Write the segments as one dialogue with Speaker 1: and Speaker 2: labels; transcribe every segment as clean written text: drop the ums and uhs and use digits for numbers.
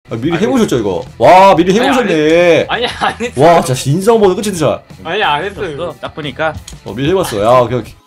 Speaker 1: 아, 미리 해보셨죠 이거? 와 미리 해보셨네.
Speaker 2: 아니 안 했어.
Speaker 1: 와 진짜 인성보다 끝이 드자.
Speaker 2: 아니 안 했어요.
Speaker 3: 딱 보니까
Speaker 1: 미리 해봤어. 야 오케이 오케이.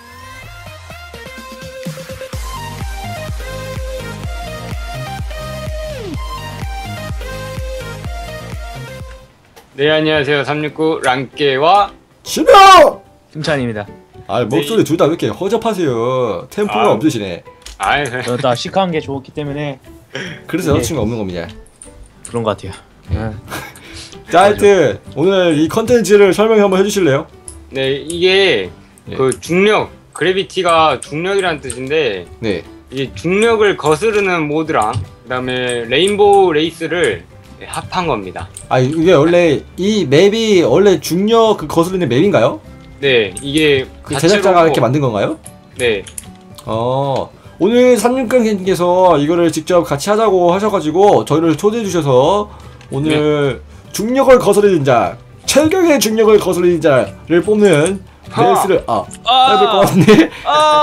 Speaker 2: 네 안녕하세요 369 랑깨와
Speaker 1: 신명!
Speaker 3: 승찬입니다.
Speaker 1: 아 목소리 둘 다 왜 이렇게 허접하세요? 템포가 없으시네.
Speaker 2: 아이
Speaker 3: 나 시크한 게 좋기 때문에
Speaker 1: 그래서 여자친구가 없는 겁니다.
Speaker 3: 그런 것 같아요.
Speaker 1: 자 하여튼 오늘 이 컨텐츠를 설명 한번 해주실래요?
Speaker 2: 네 이게
Speaker 1: 예.
Speaker 2: 그 중력 그래비티가 중력이라는 뜻인데
Speaker 1: 네.
Speaker 2: 이게 중력을 거스르는 모드랑 그다음에 레인보우 레이스를 합한 겁니다.
Speaker 1: 아 이게 원래 이 맵이 원래 중력 그 거슬리는 맵인가요?
Speaker 2: 네 이게
Speaker 1: 그 제작자가 이렇게 만든 건가요?
Speaker 2: 네
Speaker 1: 오늘 369님께서 이거를 직접 같이 하자고 하셔가지고 저희를 초대해 주셔서 오늘 중력을 거스르는 자 최경의 중력을 거스르는 자를 뽑는 레이스를 해볼 것 같은데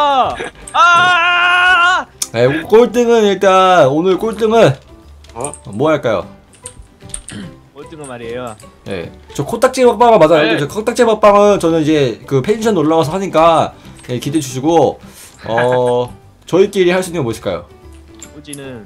Speaker 1: 네, 꼴등은 일단 오늘 꼴등은 뭐 할까요?
Speaker 3: 꼴등은 말이에요.
Speaker 1: 네, 저 코딱지 먹방은 맞아요.
Speaker 2: 네.
Speaker 1: 저 코딱지 먹방은 저는 이제 그 펜션 놀러 가서 하니까 네, 기대해 주시고 저희끼리 할 수 있는 건 무엇일까요?
Speaker 3: 꼴찌는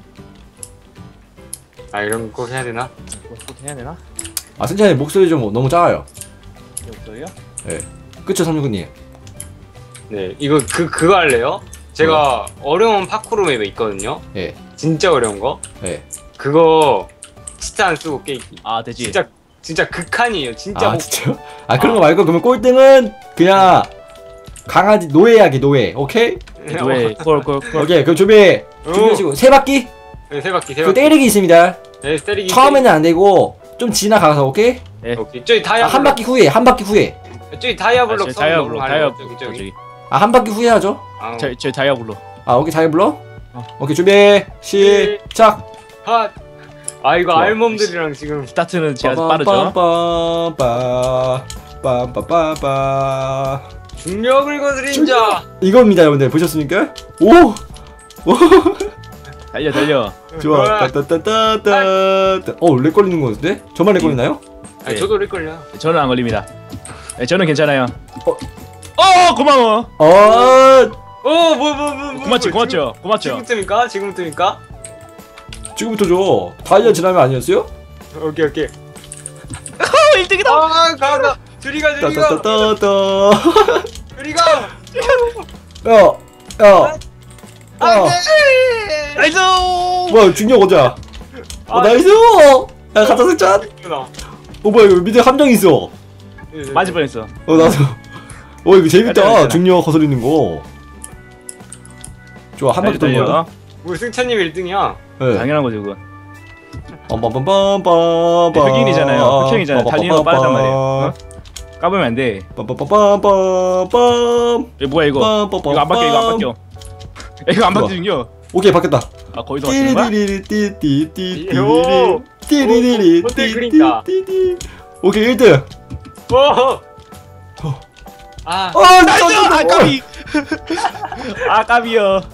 Speaker 2: 이런 거 꼭 해야 되나?
Speaker 3: 꼭 해야 되나?
Speaker 1: 승찬이 목소리 좀 너무 작아요.
Speaker 3: 목소리요?
Speaker 1: 네, 그쵸 369님?
Speaker 2: 네 이거 그거 할래요? 제가 어려운 파쿠르 맵에 있거든요.
Speaker 1: 예,
Speaker 2: 진짜 어려운 거.
Speaker 1: 예.
Speaker 2: 그거 진짜 안 쓰고 깨기.
Speaker 3: 되지.
Speaker 2: 진짜 극한이에요. 진짜.
Speaker 1: 진짜요? 그런 거 말고 그러면 꼴등은 그냥 강아지 노예하기 노예. 오케이?
Speaker 3: 왜 꼴.
Speaker 1: 오케이 그럼 준비하시고 세 바퀴?
Speaker 2: 네, 세 바퀴.
Speaker 1: 그 때리기 있습니다.
Speaker 2: 네, 때리기.
Speaker 1: 처음에는 안 되고 좀 지나가서 오케이?
Speaker 2: 오케이. 저기 다이아.
Speaker 1: 한 바퀴 후에
Speaker 2: 저기 다이아블록
Speaker 3: 다이아블록
Speaker 2: 저기.
Speaker 1: 한 바퀴 후에 하죠.
Speaker 3: 저 다이아블로.
Speaker 1: 오케이 다이아블록. 오케이 준비 시작.
Speaker 2: 이거
Speaker 1: 좋아.
Speaker 2: 알몸들이랑 지금
Speaker 3: 스타트는 제가 빠르죠.
Speaker 1: 빰빰빰빰빰빰빰빰
Speaker 2: 중력을 거스린 자.
Speaker 1: 이겁니다 여러분들 보셨습니까? 오
Speaker 3: 달려.
Speaker 1: 좋아. 따따따따따. 렉 걸리는 거 같은데? 저만 렉 걸리나요?
Speaker 2: 아니 저도 렉 걸려.
Speaker 3: 저는 안 걸립니다. 네, 저는 괜찮아요. 고마워. 고맙죠.
Speaker 2: 지금부터입니까?
Speaker 1: 지금부터 줘. 다이아 지나면 아니었어요?
Speaker 2: 오케이.
Speaker 3: 1등이다.
Speaker 2: 가. 줄이가.
Speaker 1: 따따따따따.
Speaker 2: 줄이가.
Speaker 1: 야.
Speaker 3: 나이스.
Speaker 1: 뭐야 중력 어디야? 나이스. 야 가자 승찬. 뭐야 이거 밑에 함정 있어.
Speaker 3: 맞을 뻔했어.
Speaker 1: 나도. 이거 재밌다.
Speaker 3: 괜찮아.
Speaker 1: 중력 거스리는 거. 좋아 한 바퀴 돌려.
Speaker 3: 달려.
Speaker 2: 뭐 승찬님 1등이야.
Speaker 1: 네.
Speaker 3: 당연한 거죠 그거.
Speaker 1: 빰빰빰빰빰.
Speaker 3: 흑인이잖아요. 흑형이잖아요. 달리는 거 빠르단 말이에요. 까보면 안 돼.
Speaker 1: 빰빰빰빰빰빰.
Speaker 3: 뭐야 이거? 이거 안 바뀌어. 이거 안 바뀌는겨.
Speaker 1: 오케이 바뀌었다.
Speaker 3: 거의 더 바뀌는 거야?
Speaker 2: 호텔 그린다.
Speaker 1: 오케이 1등.
Speaker 3: 나이스! 까비! 까비요.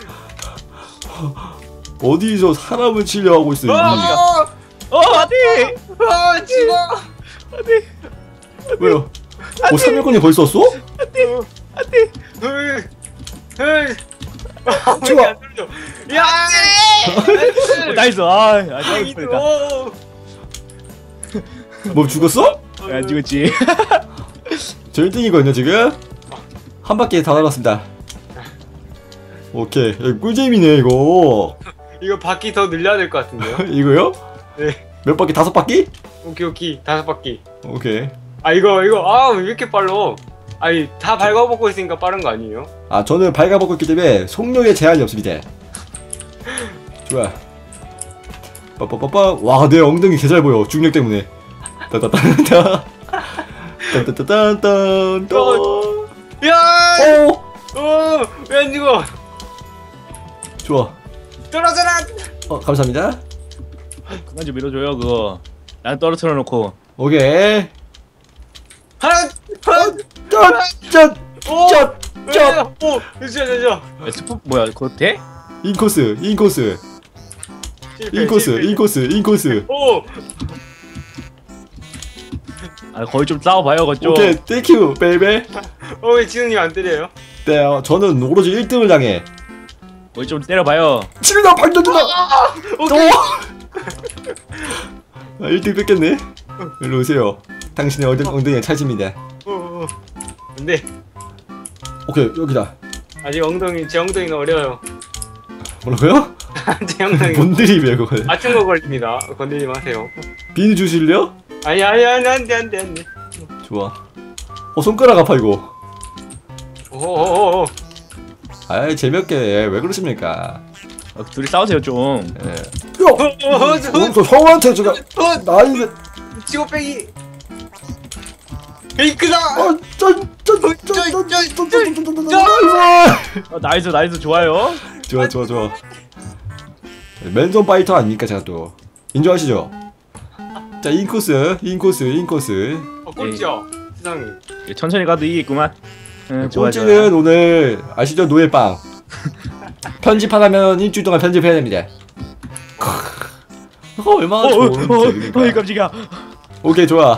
Speaker 1: 어디서 사람을 치려 하고 있어.
Speaker 3: 안돼!
Speaker 2: 지금.
Speaker 1: 왜요? 3일권이 벌써 왔어?
Speaker 3: 안돼!
Speaker 1: 좋아.
Speaker 2: 야!
Speaker 3: 나이스! 뻔했다.
Speaker 1: 뭐 죽었어?
Speaker 3: 안 죽었지.
Speaker 1: 저 1등이거든요 지금. 한 바퀴 다 날았습니다. 오케이 꿀잼이네 이거.
Speaker 2: 이거 바퀴 더 늘려야 될 것 같은데요?
Speaker 1: 이거요?
Speaker 2: 네.
Speaker 1: 몇 바퀴? 5바퀴?
Speaker 2: 오케이 5바퀴.
Speaker 1: 오케이.
Speaker 2: 이거 왜 이렇게 빨라? 다 밟아먹고 있으니까 빠른 거 아니에요?
Speaker 1: 저는 발가벗고 있기 때문에 속력에 제한이 없습니다. 좋아. 빠빠빠빠. 와, 내 엉덩이 개 잘 보여. 중력 때문에. 따따따따. 따따따따따.
Speaker 2: 야! 왜 안 죽어?
Speaker 1: 좋아.
Speaker 2: 떨어져라!
Speaker 1: 감사합니다.
Speaker 3: 그만 좀 밀어줘요 그거. 난 떨어뜨려 놓고.
Speaker 1: 오케이. 짠!
Speaker 2: 잠시만.
Speaker 3: 스포 뭐야 그거 돼?
Speaker 1: 인코스. 인코스.
Speaker 2: 오!
Speaker 3: 아 거의 좀 싸워봐요 그쪽.
Speaker 1: 오케이, 땡큐, 베이베.
Speaker 2: 왜 지훈님 안 때려요?
Speaker 1: 네, 저는 오로지 1등을 향해.
Speaker 3: 거의 좀 때려봐요.
Speaker 1: 치민아, 방전주다!
Speaker 2: 오케이!
Speaker 1: 1등 뺏겼네. 일로 오세요. 당신의 엉덩이에 찰집니다.
Speaker 2: 근데
Speaker 1: 오케이, 여기다.
Speaker 2: 아직 제 엉덩이는 어려요.
Speaker 1: 뭐라고요?
Speaker 2: 제 엉덩이.
Speaker 1: 뭔 드립이야, 그거.
Speaker 2: 맞춘 거 걸립니다. 건드리지 마세요.
Speaker 1: 비누 주실래요?
Speaker 2: 아니, 안 돼.
Speaker 1: 좋아. 손가락 아파, 이거.
Speaker 2: 오오오오.
Speaker 1: 아이, 재미없게. 왜 그러십니까?
Speaker 3: 둘이 싸우세요 좀.
Speaker 1: 예. 야! 저 형한테 제가 나이를.
Speaker 2: 치고빼기. 페이크다!
Speaker 3: 나이스 좋아요.
Speaker 1: 좋아. 맨손 파이터 아닙니까, 제가 또. 인정하시죠? 자, 인코스.
Speaker 2: 꼴찌야. 세상에.
Speaker 3: 천천히 가도 이기겠구만. 좋아.
Speaker 1: 꼴찌는 오늘 아시죠? 노예빵. 편집하려면 일주일 동안 편집해야 됩니다. 얼마나 좋은
Speaker 3: 어이 깜짝이야.
Speaker 1: 오케이, 좋아.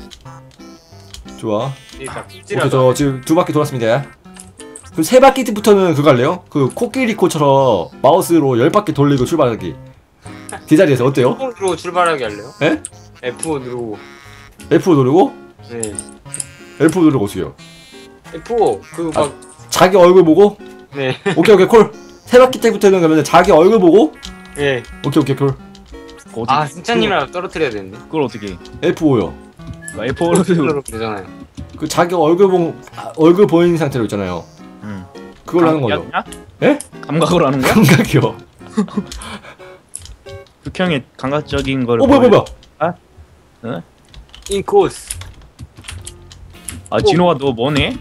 Speaker 2: 그러니까
Speaker 1: 오케이,
Speaker 2: 꼴찌라서.
Speaker 1: 저 지금 2바퀴 돌았습니다. 그럼 3바퀴부터는 그거 할래요? 그 코끼리코처럼 마우스로 10바퀴 돌리고 출발하기. 그 자리에서 어때요?
Speaker 2: F5 누르고 출발하게 할래요?
Speaker 1: 에?
Speaker 2: F5 누르고.
Speaker 1: F5 누르고?
Speaker 2: 네.
Speaker 1: F5 누르고 오세요.
Speaker 2: F5 그 막
Speaker 1: 자기 얼굴 보고?
Speaker 2: 네.
Speaker 1: 오케이, 콜. 3바퀴 때부터는 그러면 자기 얼굴 보고?
Speaker 2: 네.
Speaker 1: 오케이, 콜.
Speaker 2: 아, 승찬님이랑 떨어뜨려야 되는데.
Speaker 3: 그걸 어떻게?
Speaker 1: F5요.
Speaker 3: F4로
Speaker 2: 누르면 되잖아요.
Speaker 1: 그 자기 얼굴 보이는 상태로 있잖아요. 그걸로 하는 거죠. 예?
Speaker 3: 감각으로 하는 거야?
Speaker 1: 감각이요.
Speaker 3: 극형의 감각적인 거를.
Speaker 1: 뭐야.
Speaker 2: 인코스.
Speaker 3: 아 진호가 너 뭐네?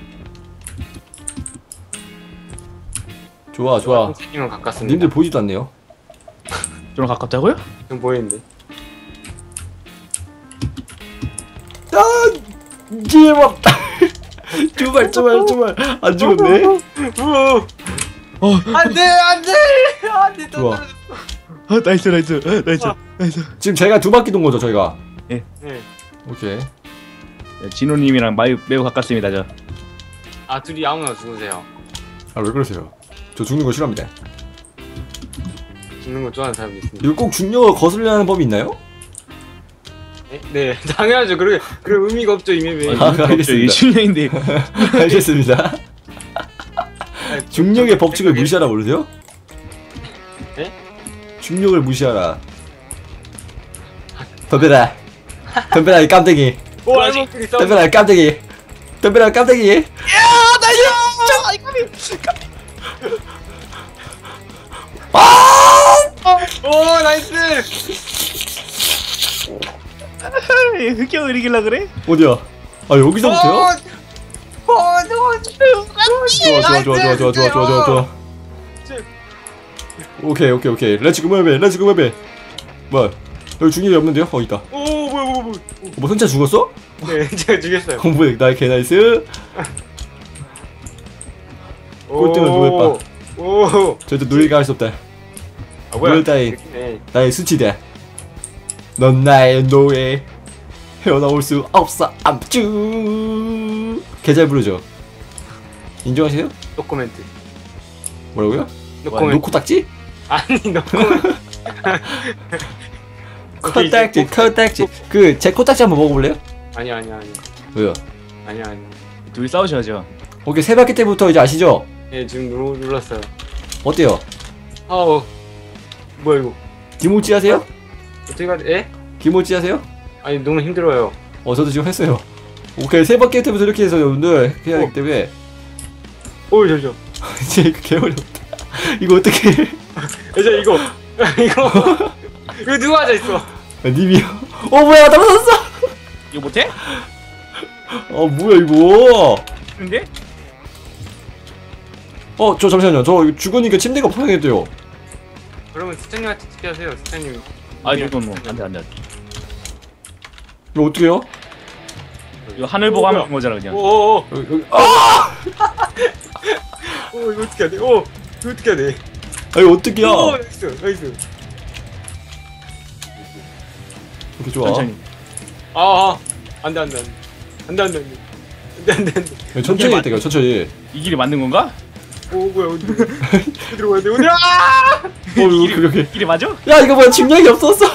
Speaker 1: 좋아.
Speaker 2: 승찬님은 가깝습니다.
Speaker 1: 님들 보이지도 않네요.
Speaker 3: 저랑 가깝다고요?
Speaker 2: 좀 보이는데.
Speaker 1: 제발. 두발. 안 죽었네.
Speaker 2: 안돼.
Speaker 1: 좋아.
Speaker 3: 나이스.
Speaker 1: 지금 제가 2바퀴 돈 거죠, 저희가.
Speaker 2: 네.
Speaker 1: 오케이.
Speaker 3: 진호님이랑 매우 가깝습니다 저.
Speaker 2: 아, 둘이 아무나 죽으세요.
Speaker 1: 아, 왜 그러세요? 저 죽는 거 싫어합니다.
Speaker 2: 죽는 거 좋아하는 사람도 있습니다.
Speaker 1: 이거 꼭 중력을 거슬려는 법이 있나요?
Speaker 2: 네, 당연하죠. 그래 의미가 없죠, 이 맵에.
Speaker 1: 아, 알겠습니다.
Speaker 3: 이게 실력인데.
Speaker 1: 알겠습니다. 중력의 법칙을 무시하라 모르세요?
Speaker 2: 네?
Speaker 1: 중력을 무시하라. 덤벼라 이 깜댕이.
Speaker 2: 오, 알먹들이 싸우.
Speaker 1: 덤벼라 이 깜댕이.
Speaker 2: 오, 나이스.
Speaker 3: 흑형을 이길라 그래?
Speaker 1: 어디야? 아, 여기서부터요? 좋아. 오케이. 렛츠고 맵에. 뭐야? 여기 중력이 없는데요? 있다.
Speaker 2: 오, 뭐야.
Speaker 1: 뭐 선차 죽었어?
Speaker 2: 네, 제가 죽였어요.
Speaker 1: 뭐야? 나의 개나이스. 꼴등은 노예빵.
Speaker 2: 오.
Speaker 1: 절대 노예가 할 수 없다.
Speaker 2: 아, 뭐야?
Speaker 1: 노예 따위
Speaker 2: 네.
Speaker 1: 나의 수치다. 넌 나의 노예. 헤어나올 수 없어. 암쭈. 개잘 부르죠. 인정하세요?
Speaker 2: 노코멘트.
Speaker 1: 뭐라고요?
Speaker 2: 노코멘트.
Speaker 1: 노코딱지?
Speaker 2: 아니, 노코멘트.
Speaker 1: 코딱지. 그 제 코딱지 한번 먹어볼래요?
Speaker 2: 아니야.
Speaker 1: 왜요?
Speaker 2: 아니야.
Speaker 3: 둘이 싸우셔야죠.
Speaker 1: 오케이, 3바퀴 때부터 이제 아시죠?
Speaker 2: 예, 지금 눌렀어요.
Speaker 1: 어때요?
Speaker 2: 아우. 뭐야 이거?
Speaker 1: 기모찌 하세요?
Speaker 2: 어떻게 가지? 예?
Speaker 1: 기모찌 하세요?
Speaker 2: 아니, 너무 힘들어요.
Speaker 1: 저도 지금 했어요. 오케이, 3바퀴 때부터 이렇게 해서 여러분들 해야 하기 때문에
Speaker 2: 오, 잠시만.
Speaker 1: 이제 이거 개어렵다. 이거 어떻게 해?
Speaker 2: 이제 이거 누가 앉아있어?
Speaker 1: 님이요. 뭐야, 떨어졌어.
Speaker 3: 이거 못해?
Speaker 1: 뭐야 이거.
Speaker 3: 근데?
Speaker 1: 저 잠시만요. 저 이거 죽으니까 침대가 불편하겠대요.
Speaker 2: 그러면 스탠님한테 투표하세요. 스탠님.
Speaker 3: 아 이거 뭐 안돼.
Speaker 1: 이거 어떻게 해요?
Speaker 3: 이거 하늘 보고 하면 되는 거잖아 그냥.
Speaker 2: 오오오.
Speaker 1: 여기.
Speaker 2: 이거 어떻게 해야 돼? 이거 어떻게 해야 돼?
Speaker 1: 이거 어떻게야?
Speaker 2: 나이스.
Speaker 1: 이렇게 좋아.
Speaker 3: 천천히.
Speaker 2: 안돼 안돼 안돼 안돼 안돼 안돼.
Speaker 1: 천천히 했다가 천천히.
Speaker 3: 이 길이 맞는 건가?
Speaker 2: 오 뭐야 어디로 가야 돼 어디로? 아!
Speaker 1: 그렇게.
Speaker 3: 길이 맞아?
Speaker 1: 야 이거 뭐야 침략이 없었어.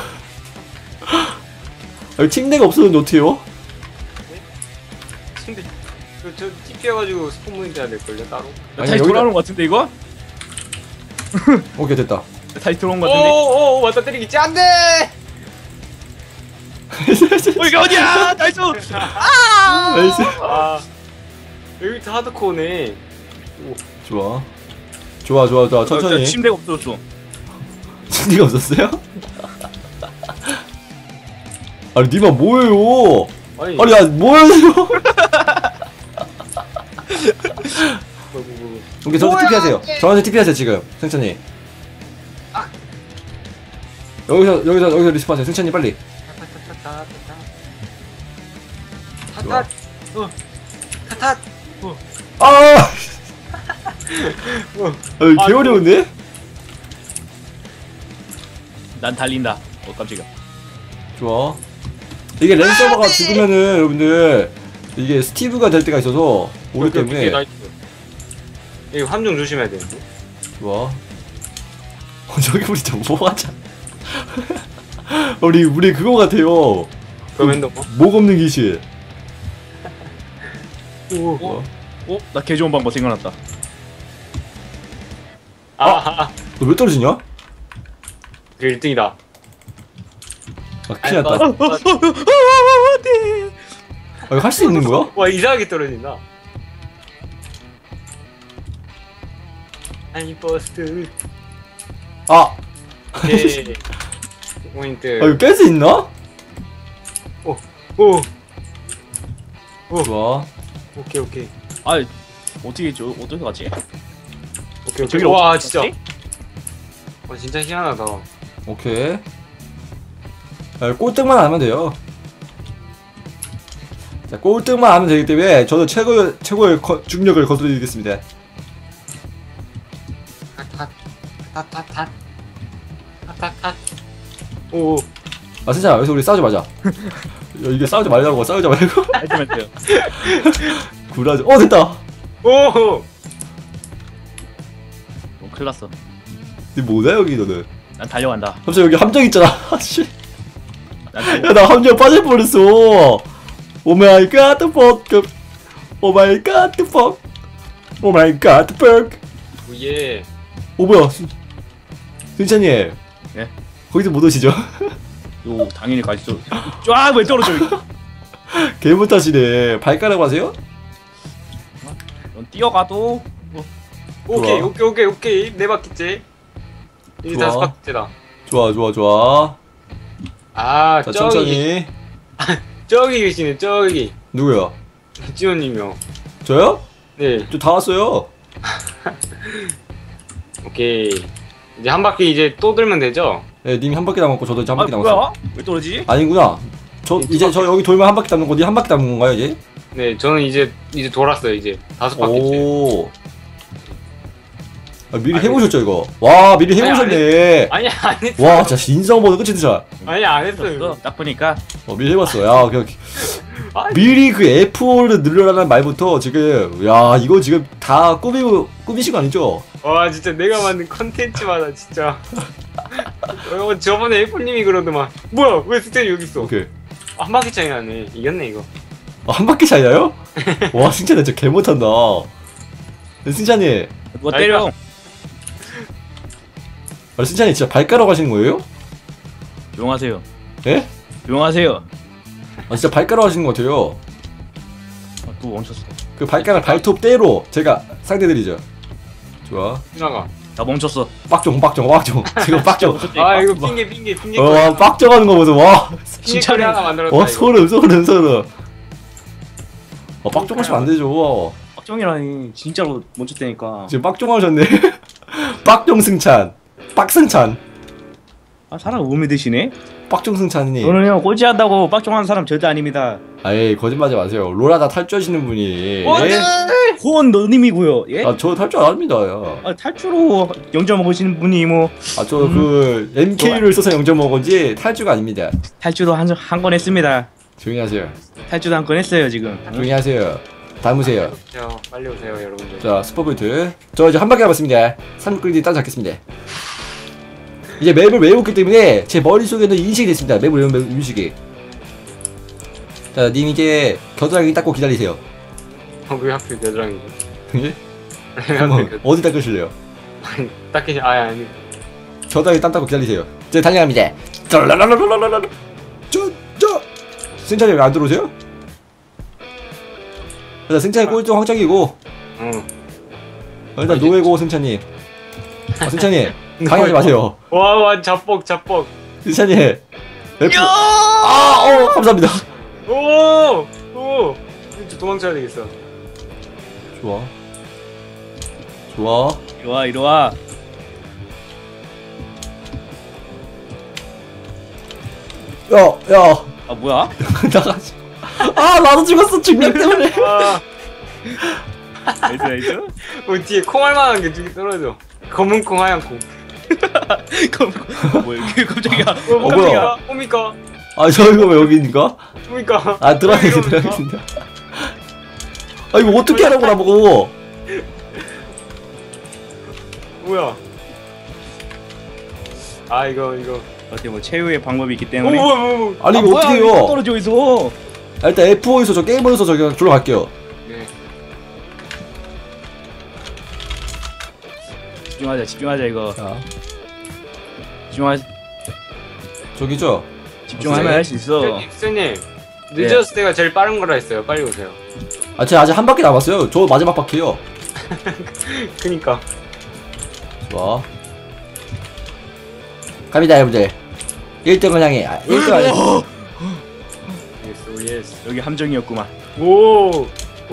Speaker 1: 아니 침대가 없었는데 어떻게요?
Speaker 2: 근데 저 TP해가지고 스폰 모니터 해야 될걸요 따로?
Speaker 3: 다시
Speaker 1: 여기다-
Speaker 3: 돌아오는 것 같은데 이거?
Speaker 1: 오케이 됐다.
Speaker 3: 다시 들어온 것 같은데.
Speaker 2: 오오오 맞다 때리겠지 안돼.
Speaker 3: 이게 어디야? 나이스.
Speaker 1: 나이스.
Speaker 2: 아 여기 다 하드코어네.
Speaker 1: 좋아. 천천히.
Speaker 3: 침대가 없어졌어.
Speaker 1: 침대가 없었어요? 아니 니마 뭐예요? 아니 야 뭐예요? 오케이 저한테 TP 하세요. 저한테 TP 하세요 지금 승찬이. 여기서 리스폰하세요 승찬이 빨리.
Speaker 2: 타타 타타
Speaker 1: 아! 개 어려운데?
Speaker 3: 난 달린다. 깜짝이야.
Speaker 1: 좋아. 이게 랜 서버가 죽으면은 여러분들 이게 스티브가 될 때가 있어서 오기 때문에.
Speaker 2: 이거 함정 조심해야 되는데.
Speaker 1: 좋아. 저기 우리 좀 뭐하자. 우리 그거 같아요.
Speaker 2: 그럼 핸드폰.
Speaker 1: 목 없는 귀신.
Speaker 2: 오.
Speaker 3: 나 개 좋은 방법 생각났다.
Speaker 2: 아.
Speaker 1: 너 왜 떨어지냐?
Speaker 2: 그 1등이다.
Speaker 1: 아 큰일 났다. 아 이거 할 수 있는 거야?
Speaker 2: 와 이상하게 떨어진다. 아니 버스트.
Speaker 1: 아!
Speaker 2: 오케이. 포인트.
Speaker 1: 아 이거 깰 수 있나?
Speaker 2: 오.
Speaker 1: 좋아.
Speaker 2: 오케이.
Speaker 3: 아 어떻게 가지?
Speaker 2: 오케이.
Speaker 3: 저기로
Speaker 2: 와
Speaker 3: 어떻게
Speaker 2: 진짜.
Speaker 3: 갔지?
Speaker 2: 와 진짜 희한하다.
Speaker 1: 오케이. 아, 꼴등만 하면 돼요. 자, 꼴등만 하면 되기 때문에 저도 최고의 중력을 거두드리겠습니다.
Speaker 2: 탓. 오.
Speaker 1: 아 진짜 여기서 우리 싸우지 말자. 이게 싸우지 말고.
Speaker 3: 알트멘트.
Speaker 1: 구라지. 됐다.
Speaker 2: 오.
Speaker 3: 큰일 났어.
Speaker 1: 니 뭐냐 여기 너는?
Speaker 3: 난 달려간다.
Speaker 1: 갑자기 여기 함정 있잖아. 씨.
Speaker 3: 난 달려.
Speaker 1: 야, 나 함정 빠질 뻔했어. 오 마이 갓, the fuck. 오 마이 갓, the fuck. 오 마이 갓, the fuck.
Speaker 2: 예.
Speaker 1: 오 뭐야? 승찬님.
Speaker 3: 예?
Speaker 1: 거기서 못 오시죠?
Speaker 3: 요 당연히 가시죠. 왜 떨어져 이거?
Speaker 1: 개 못하시네. 발가락 하세요?
Speaker 3: 넌 뛰어가도
Speaker 2: 오케이. 네 바퀴째. 이제
Speaker 1: 좋아.
Speaker 2: 5바퀴째다.
Speaker 1: 좋아.
Speaker 2: 아,
Speaker 1: 자,
Speaker 2: 저기.
Speaker 1: 천천히.
Speaker 2: 저기 계시네, 저기.
Speaker 1: 누구요?
Speaker 2: 지원님이요.
Speaker 1: 저요?
Speaker 2: 네.
Speaker 1: 저 다 왔어요.
Speaker 2: 오케이. 이제 한 바퀴 이제 또 돌면 되죠?
Speaker 1: 네, 님이 한 바퀴 남았고 저도 이제 한 바퀴 남았어요.
Speaker 3: 뭐야? 왜 떨어지지?
Speaker 1: 아니구나. 이제 저 여기 돌면 한 바퀴 남는 거니 한 바퀴 남는 건가요 이제?
Speaker 2: 네, 저는 이제 돌았어요, 이제. 5바퀴째.
Speaker 1: 오. 아, 미리
Speaker 2: 아니,
Speaker 1: 해보셨죠 이거? 와 미리 해보셨네.
Speaker 2: 아니, 안 했어요.
Speaker 1: 와 진짜 인성보다 끝이 드자.
Speaker 2: 아니, 안 했어요.
Speaker 3: 딱 보니까
Speaker 1: 미리 해봤어. 야 그냥
Speaker 2: 아니,
Speaker 1: 미리 그 F5를 늘려라는 말부터 지금 야 이거 지금 다 꾸미신 거 아니죠?
Speaker 2: 와, 진짜 내가 만든 컨텐츠마다 진짜. 저번에 애플님이 그러더만. 뭐야, 왜 스테이 여기 있어?
Speaker 1: 오케이.
Speaker 2: 한 바퀴 차이 나네. 이겼네, 이거.
Speaker 1: 한 바퀴 차이나요? 와 승찬이 진짜 개 못한다. 승찬이,
Speaker 3: 누가 때려?
Speaker 1: 승찬이 진짜 발가락 하시는 거예요?
Speaker 3: 조용하세요.
Speaker 1: 예?
Speaker 3: 조용하세요.
Speaker 1: 진짜 발가락 하시는 거 같아요.
Speaker 3: 또 멈췄어.
Speaker 1: 그 발가락 발톱대로 제가 상대드리죠. 좋아.
Speaker 2: 나가.
Speaker 3: 다 멈췄어.
Speaker 1: 빡종. 지금 빡종.
Speaker 2: 아, 이거 핑계.
Speaker 1: 와 빡종하는 거 보소. 와.
Speaker 2: 핑계 거리 하나 만들었다.
Speaker 1: 와
Speaker 2: 이거.
Speaker 1: 소름. 빡종하시면 안 되죠.
Speaker 3: 박정이라니 진짜로 멈췄다니까.
Speaker 1: 지금 빡종하셨네. 빡종 승찬. 빡승찬.
Speaker 3: 아 사람 못 믿으시네?
Speaker 1: 빡종승찬님.
Speaker 3: 저는 형 꼴찌한다고 빡종하는 사람 절대 아닙니다.
Speaker 1: 아예 거짓말하지 마세요. 롤하다 탈주하시는 분이.
Speaker 2: 어,
Speaker 1: 예?
Speaker 3: 호원 너님이고요. 예?
Speaker 1: 저 탈주 안 합니다. 야.
Speaker 3: 아, 탈주로 0점 먹으시는 분이 뭐
Speaker 1: 저 그 MK를 써서 0점 먹은지 탈주가 아닙니다.
Speaker 3: 탈주도 한 건 했습니다.
Speaker 1: 조용히 하세요.
Speaker 3: 탈주도 한 건 했어요 지금.
Speaker 1: 조용히 하세요. 담으세요.
Speaker 2: 빨리 오세요 여러분들.
Speaker 1: 자 스포포인트. 저 이제 한 바퀴 남았습니다. 3끌디 따라 잡겠습니다. 이제 맵을 외웠기 때문에 제 머릿속에는 인식이 됐습니다. 맵을 외우면 인식이. 자 님 이제 겨드랑이 닦고 기다리세요.
Speaker 2: 왜 하필 겨드랑이지?
Speaker 1: 예?
Speaker 2: 왜
Speaker 1: 한번
Speaker 2: 하필
Speaker 1: 어디 닦으실래요?
Speaker 2: 아니 딱히 아니.
Speaker 1: 겨드랑이 땀 닦고 기다리세요. 이제 달려갑니다. 짤라라라라라라. 승찬이 왜 안 들어오세요? 일단 승찬이 꼴등 확정이고
Speaker 2: 응.
Speaker 1: 일단 노예고 승찬이. 승찬이 방해하지 마세요.
Speaker 2: 와 잡복.
Speaker 1: 승찬이 F. 감사합니다.
Speaker 2: 오. 이제 도망쳐야 되겠어.
Speaker 1: 좋아.
Speaker 3: 이리 와.
Speaker 1: 야.
Speaker 3: 아 뭐야?
Speaker 1: 나가지. 나도 죽었어 중력 때문에.
Speaker 3: 나이스.
Speaker 2: 뒤에 콩알만한 게 두개 떨어져. 검은 콩 하얀 콩.
Speaker 3: 뭐야 이게 깜짝이야.
Speaker 1: 뭐야?
Speaker 2: 뭡니까?
Speaker 1: 저 이거 왜 여기 있는가?
Speaker 2: 뭡니까?
Speaker 1: 들어가겠습니다. 이거 어떻게 하라고 나보고.
Speaker 2: 뭐야? 이거.
Speaker 3: 어때 뭐 최후의 방법이 있기 때문에.
Speaker 2: 뭐.
Speaker 1: 아니 이거 어떻게 해요?
Speaker 3: 떨어져 있어.
Speaker 1: 일단 F5에서 저 게임으로서 저기 들어갈게요.
Speaker 2: 네.
Speaker 3: 집중하자 이거.
Speaker 1: 자, 저기죠?
Speaker 3: 집중하면 할 수 있어.
Speaker 2: 선생님 늦었을 때가 제일 빠른 거라 했어요. 빨리 오세요.
Speaker 1: 제가 아직 한 바퀴 남았어요. 저 마지막 바퀴요.
Speaker 2: 그니까.
Speaker 1: 좋아. 갑니다 여러분들. 1등을 향해 1등 아니.
Speaker 2: 예스.
Speaker 3: 여기 함정이었구만.
Speaker 2: 오.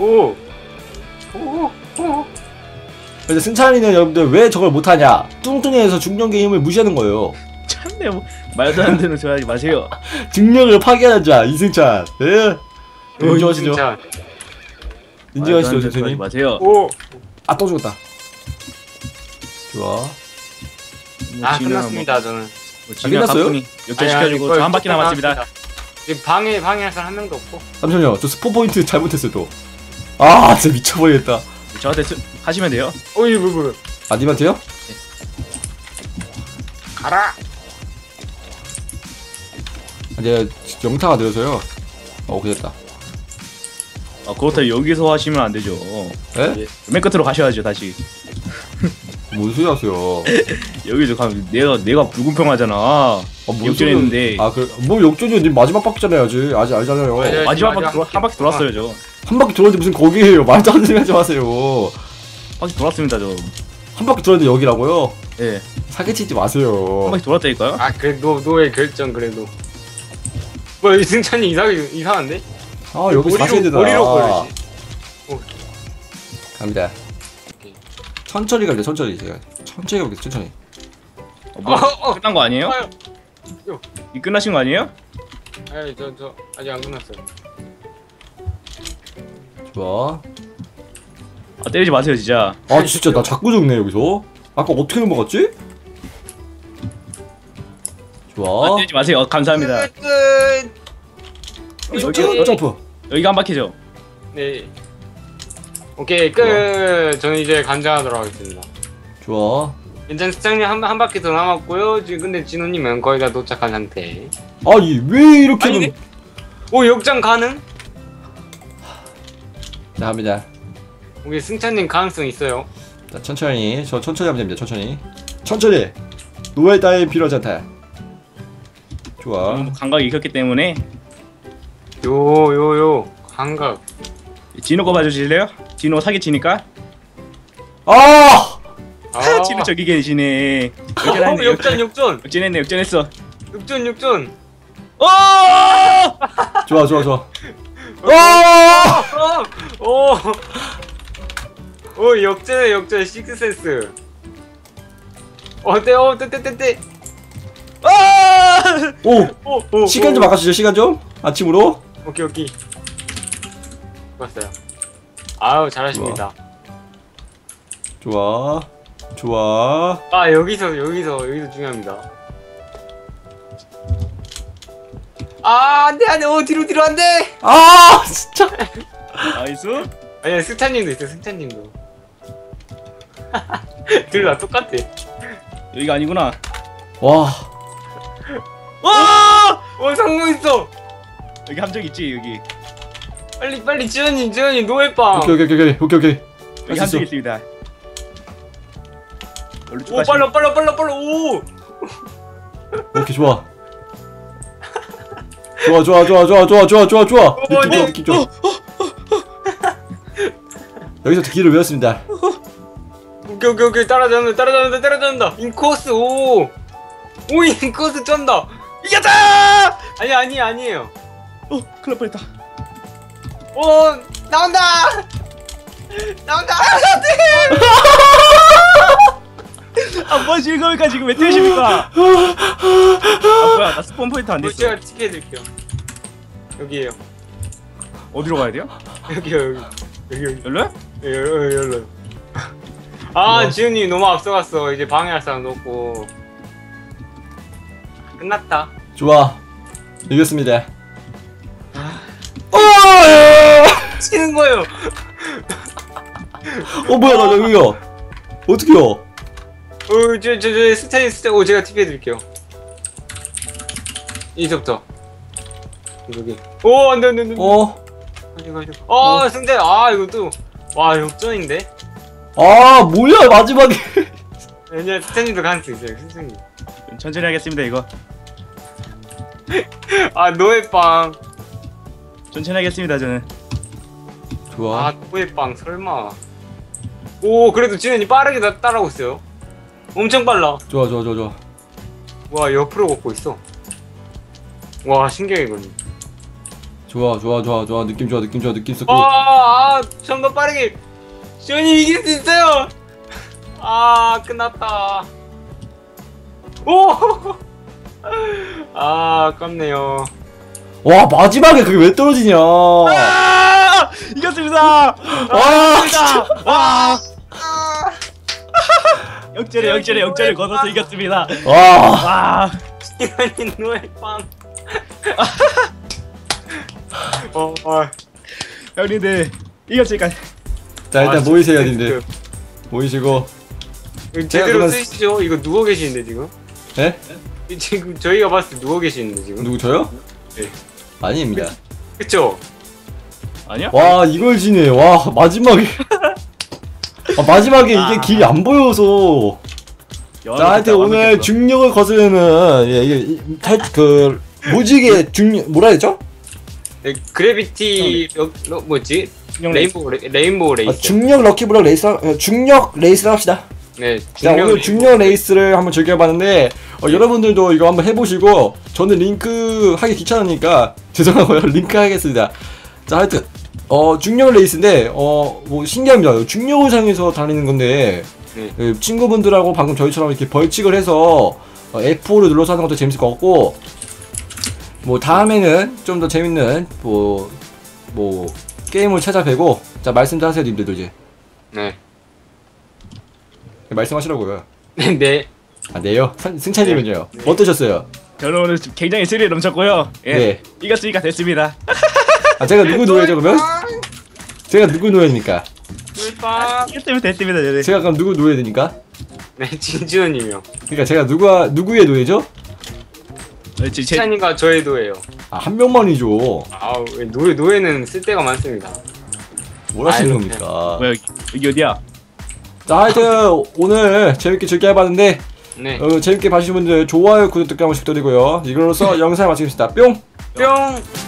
Speaker 1: 근데 승찬이는 여러분들 왜 저걸 못하냐? 뚱뚱해서 중력 게임을 무시하는 거예요.
Speaker 3: 참네 뭐 말도 안 되는 소리 하지 마세요.
Speaker 1: 중력을 파괴하는 자 이승찬. 예. 인정하시죠?
Speaker 2: 진짜.
Speaker 1: 인정하시죠
Speaker 3: 말도 안 되는 소리 하지
Speaker 1: 선생님?
Speaker 3: 마세요.
Speaker 2: 오.
Speaker 1: 또 죽었다. 좋아.
Speaker 2: 끝났습니다 저는.
Speaker 1: 끝났어요?
Speaker 3: 가뿐히 역전시켜주고 저 한 바퀴 남았습니다.
Speaker 2: 지금 방해할 사람 한 명도 없고.
Speaker 1: 잠시만요. 저 스포 포인트 잘못했어요 또. 진짜 미쳐버리겠다.
Speaker 3: 저한테 하시면 돼요.
Speaker 2: 어이 뭐.
Speaker 1: 님한테요?
Speaker 2: 가라.
Speaker 1: 이제 영타가 늘어서요. 오케이 됐다.
Speaker 3: 그렇다 여기서 하시면 안 되죠.
Speaker 1: 에?
Speaker 3: 맨 끝으로 가셔야죠 다시.
Speaker 1: 뭔 소리 하세요?
Speaker 3: 여기서 가면 내가 불공평하잖아.
Speaker 1: 뭔
Speaker 3: 역전했는데.
Speaker 1: 뭐 역전이요? 님 마지막 바퀴잖아요 아직 알잖아요.
Speaker 2: 네.
Speaker 3: 마지막 바퀴 한 바퀴 돌았어요 저.
Speaker 1: 한 바퀴 돌았는데 무슨 거기에요? 말도 안 되는 소리 하지 마세요.
Speaker 3: 바퀴 돌았습니다 저.
Speaker 1: 한 바퀴 돌았는데 여기라고요?
Speaker 3: 예.
Speaker 1: 사기치지 마세요.
Speaker 3: 한 바퀴 돌았다니까요.
Speaker 2: 그래 노의 결정 그래도. 뭐야 이승찬이 이상한데?
Speaker 1: 여기 다시 해야 되나?
Speaker 2: 머리로 걸리지.
Speaker 1: 갑니다.
Speaker 2: 오케이.
Speaker 1: 천천히 갑니다. 천천히 가볼게요. 천천히.
Speaker 3: 끝난 거 아니에요?
Speaker 2: 요.
Speaker 3: 이 끝나신 거 아니에요?
Speaker 2: 저 아직 안 끝났어요.
Speaker 1: 좋아.
Speaker 3: 때리지 마세요 진짜.
Speaker 1: 진짜 나 자꾸 죽네 여기서. 아까 어떻게 넘어갔지? 좋아.
Speaker 3: 때리지 마세요. 감사합니다.
Speaker 1: 점프.
Speaker 3: 여기가 한 바퀴죠.
Speaker 2: 네. 오케이 끝. 저는 이제 간장하도록 하겠습니다.
Speaker 1: 좋아.
Speaker 2: 일단 수장님 한 바퀴 더 남았고요. 지금 근데 진호님은 거의 다 도착한 상태.
Speaker 1: 왜 이렇게는?
Speaker 2: 아니네? 오 역전 가능?
Speaker 1: 자 갑니다.
Speaker 2: 우리 승찬님 가능성 있어요.
Speaker 1: 자 천천히. 저 천천히 하면 됩니다. 천천히. 노예 따위 필요하지 않다. 좋아.
Speaker 3: 감각이 익혔기 때문에
Speaker 2: 요 감각.
Speaker 3: 진호 거 봐주실래요? 진호 사기치니까. 진호 저기 계시네.
Speaker 2: 역전.
Speaker 3: 역전했어.
Speaker 2: 역전.
Speaker 1: 좋아.
Speaker 2: 오 역전 식스센스. 떼.
Speaker 1: 오 시간 좀 바꿔주죠. 시간 좀 아침으로.
Speaker 2: 오케이. 좋았어요. 아우 잘하십니다.
Speaker 1: 좋아.
Speaker 2: 아 여기서 중요합니다. 아 안돼 오 뒤로 안돼.
Speaker 1: 아 진짜.
Speaker 3: 나이스.
Speaker 2: 아니야 승찬님도 있어 승찬님도. 둘 다 똑같아.
Speaker 3: 여기가 아니구나.
Speaker 1: 와.
Speaker 3: 와!
Speaker 2: 성공했어.
Speaker 3: 여기 함정 있지 여기.
Speaker 2: 빨리 지현님 노예빵.
Speaker 1: 오케이.
Speaker 3: 여기
Speaker 1: 할수
Speaker 3: 함정
Speaker 1: 있어.
Speaker 3: 있습니다.
Speaker 2: 오 빨라 오.
Speaker 1: 오케이 좋아. 느낌 좋아. 여기서 길을 외웠습니다.
Speaker 2: 오케이 따라잡는다. 인코스 오 인코스 쩐다.
Speaker 3: 이겼다!
Speaker 2: 아니에요.
Speaker 3: 큰일 날 뻔했다.
Speaker 2: 오 나온다.
Speaker 3: 아, 뭐 즐거울까 지금 왜 뛰십니까? 아, 뭐야, 나 스폰 포인트 안 됐어.
Speaker 2: 제가 티켓해드릴게요. 여기에요.
Speaker 3: 어디로 가야 돼요?
Speaker 2: 여기.
Speaker 3: 열로요?
Speaker 2: 열로. 아 지훈님 너무 앞서갔어. 이제 방해할 사람 없고. 끝났다.
Speaker 1: 좋아. 이겼습니다.
Speaker 2: 치는 거예요.
Speaker 1: 뭐야 나 여기요. 어떡해요?
Speaker 2: 저 스타일 오 제가 TP 해드릴게요. 이제부터 여기. 오 안돼. 가지고. 승대. 이거 또 와 역전인데.
Speaker 1: 뭐야 마지막에.
Speaker 2: 아니야 스탠님도 가능성 있어요 선생님.
Speaker 3: 천천히 하겠습니다 이거.
Speaker 2: 노예빵.
Speaker 3: 천천히 하겠습니다 저는.
Speaker 1: 좋아.
Speaker 2: 노예빵 설마. 오 그래도 지현이 빠르게 따라오고 있어요. 엄청 빨라.
Speaker 1: 좋아.
Speaker 2: 와 옆으로 걷고 있어. 와 신기해 이건.
Speaker 1: 좋아. 느낌 좋고.
Speaker 2: 좀 더 빠르게. 지현이 이길 수 있어요. 끝났다. 오. 아깝네요.
Speaker 1: 와 마지막에 그게 왜 떨어지냐.
Speaker 3: 이겼습니다. 와. 역전에 걷어서 이겼습니다. 와.
Speaker 2: 지현이 노예빵.
Speaker 3: 형님들 이겼으니까.
Speaker 1: 자 일단 모이세요 님들. 모이시고.
Speaker 2: 제대로
Speaker 1: 그러면-
Speaker 2: 쓰시죠. 이거 누워 계시는데 지금?
Speaker 1: 예?
Speaker 2: 지금 저희가 봤을 때 누워 계시는데 지금?
Speaker 1: 누구 저요?
Speaker 2: 네.
Speaker 1: 아닙니다.
Speaker 2: 그쵸?
Speaker 3: 아니야?
Speaker 1: 와 이걸 지네. 와 마지막에. 마지막에 이게 길이 안 보여서. 자 하여튼 오늘 중력을 거스르는 이게 그 무지개 중력 뭐라 했죠?
Speaker 2: 네, 그래비티 뭐지? 레인보우 레이스.
Speaker 1: 중력 럭키블럭 레이스 중력 레이스를 합시다.
Speaker 2: 네.
Speaker 1: 자 오늘 중력 레이스를 한번 즐겨봤는데 여러분들도 이거 한번 해보시고 저는 링크 하기 귀찮으니까 죄송하고요. 링크 하겠습니다. 자 하여튼 중력 레이스인데 뭐 신기합니다. 중력을 사용해서 달리는 건데 그 친구분들하고 방금 저희처럼 이렇게 벌칙을 해서 F5를 눌러서 하는 것도 재밌을 것 같고 뭐 다음에는 좀 더 재밌는 뭐 게임을 찾아뵈고 자 말씀도 하세요 님들도 이제.
Speaker 2: 네.
Speaker 1: 말씀하시라고요.
Speaker 2: 네.
Speaker 1: 네요? 승찬님은요? 어떠셨어요?
Speaker 3: 저는 오늘 굉장히 스릴 넘쳤고요. 예.
Speaker 1: 네.
Speaker 3: 이겼으니까 됐습니다.
Speaker 1: 제가 누구 노예죠 그러면? 제가 누구 노예입니까?
Speaker 2: 노예빵.
Speaker 3: 이겼으면 됐습니다 저는.
Speaker 1: 제가 그럼 누구 노예입니까?
Speaker 2: 네 진지훈님이요.
Speaker 1: 그러니까 제가 누구의 노예죠?
Speaker 2: 시찬이가 저의 노예요.
Speaker 1: 한 명만이죠.
Speaker 2: 노예는 쓸 데가 많습니다.
Speaker 1: 뭘 하시는 겁니까?
Speaker 3: 뭐야 여기 어디야?
Speaker 1: 자 하여튼 오늘 재밌게 즐겨해봤는데
Speaker 2: 네.
Speaker 1: 재밌게 봐주신 분들 좋아요 구독 댓글 한 번씩 드리고요. 이걸로써 영상을 마치겠습니다. 뿅!
Speaker 2: 뿅.